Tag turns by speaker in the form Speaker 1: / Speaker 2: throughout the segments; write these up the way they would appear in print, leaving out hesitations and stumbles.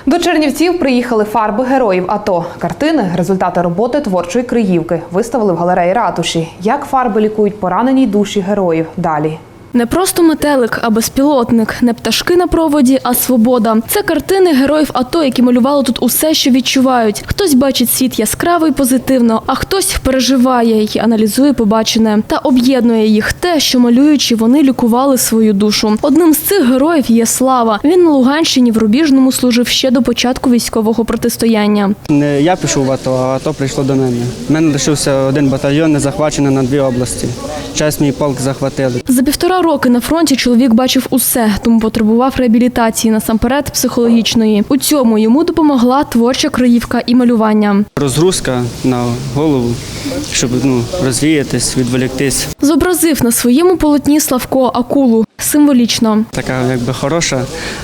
Speaker 1: До Чернівців приїхали фарби героїв АТО. Картини – результати роботи творчої Криївки. Виставили в галереї ратуші. Як фарби лікують поранені душі героїв? Далі.
Speaker 2: Не просто метелик, а безпілотник. Не пташки на проводі, а свобода. Це картини героїв АТО, які малювали тут усе, що відчувають. Хтось бачить світ яскраво і позитивно, а хтось переживає і аналізує побачене. Та об'єднує їх те, що малюючи, вони лікували свою душу. Одним з цих героїв є Слава. Він на Луганщині в Рубіжному служив ще до початку військового протистояння.
Speaker 3: Не я пішов в АТО, а АТО прийшло до мене. У мене лишився один батальйон, не захвачений на 2 області. Час мій полк захватили.
Speaker 2: За 1,5 роки на фронті чоловік бачив усе, тому потребував реабілітації, насамперед психологічної. У цьому йому допомогла творча Криївка і малювання.
Speaker 3: Розгрузка на голову, щоб розвіятись, відволіктись.
Speaker 2: Зобразив на своєму полотні Славко акулу. Символічно.
Speaker 3: Така якби хороша,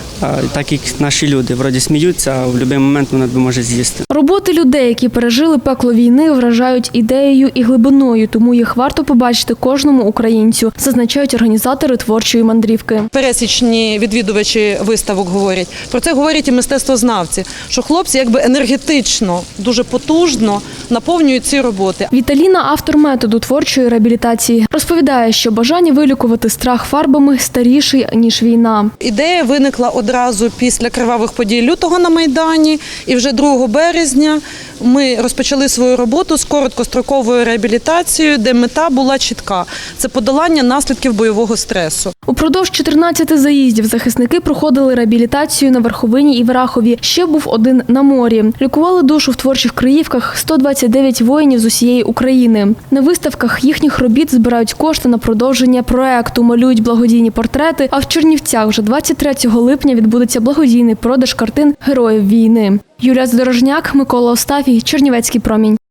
Speaker 3: так як наші люди. Вроді сміються, а в будь-який момент вона може з'їсти.
Speaker 2: Роботи людей, які пережили пекло війни, вражають ідеєю і глибиною, тому їх варто побачити кожному українцю, зазначають організатори творчої мандрівки.
Speaker 4: Пересічні відвідувачі виставок говорять. Про це говорять і мистецтвознавці, що хлопці якби енергетично, дуже потужно наповнюють ці роботи.
Speaker 2: Віталіна – автор методу творчої реабілітації. Розповідає, що бажання вилікувати страх фарбами старіший, ніж війна.
Speaker 4: Ідея виникла одразу після кривавих подій лютого на Майдані, і вже 2 березня ми розпочали свою роботу з короткостроковою реабілітацією, де мета була чітка – це подолання наслідків бойового стресу.
Speaker 2: Упродовж 14 заїздів захисники проходили реабілітацію на Верховині і Врахові. Ще був один на морі. Лікували душу в творчих Криївках 129 воїнів з усієї України. На виставках їхніх робіт збирають кошти на продовження проекту, малюють благодійні портрети, а в Чернівцях вже 23 липня відбудеться благодійний продаж картин героїв війни. Юлія Здорожняк, Микола Остафій, Чернівецький промінь.